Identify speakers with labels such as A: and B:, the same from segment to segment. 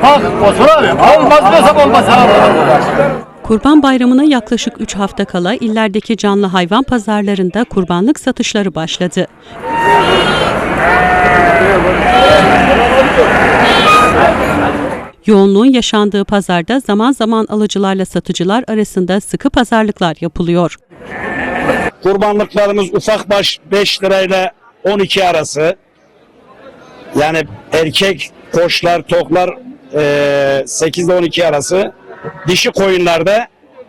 A: Bak Osman abi, olmaz desem olmaz abi.
B: Kurban Bayramı'na yaklaşık 3 hafta kala illerdeki canlı hayvan pazarlarında kurbanlık satışları başladı. Yoğunluğun yaşandığı pazarda zaman zaman alıcılarla satıcılar arasında sıkı pazarlıklar yapılıyor.
C: Kurbanlıklarımız ufak baş 5 lirayla 12 arası. Yani erkek koçlar, toklar 8 ile 12 arası. Dişi koyunlarda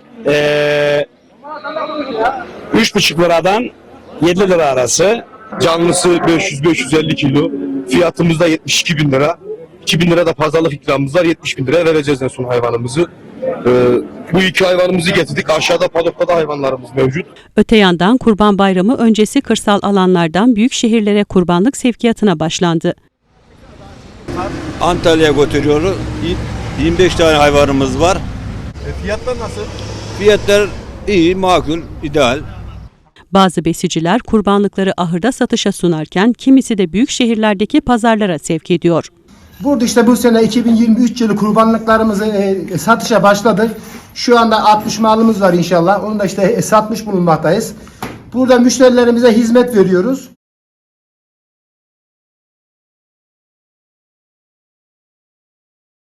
C: 3,5 liradan 7 lira arası.
D: Canlısı 500-550 kilo. Fiyatımız da 72 bin lira. 2 bin lira da pazarlık ikramımız var. 70 bin liraya vereceğiz en son hayvanımızı. Bu iki hayvanımızı getirdik. Aşağıda padokta da hayvanlarımız mevcut.
B: Öte yandan Kurban Bayramı öncesi kırsal alanlardan büyük şehirlere kurbanlık sevkiyatına başlandı.
E: Antalya'ya götürüyoruz. 25 tane hayvanımız var.
D: Fiyatlar nasıl?
E: Fiyatlar iyi, makul, ideal.
B: Bazı besiciler kurbanlıkları ahırda satışa sunarken kimisi de büyük şehirlerdeki pazarlara sevk ediyor.
F: Burada işte bu sene 2023 yılı kurbanlıklarımızı satışa başladık. Şu anda 60 malımız var inşallah. Onu da işte satmış bulunmaktayız. Burada müşterilerimize hizmet veriyoruz.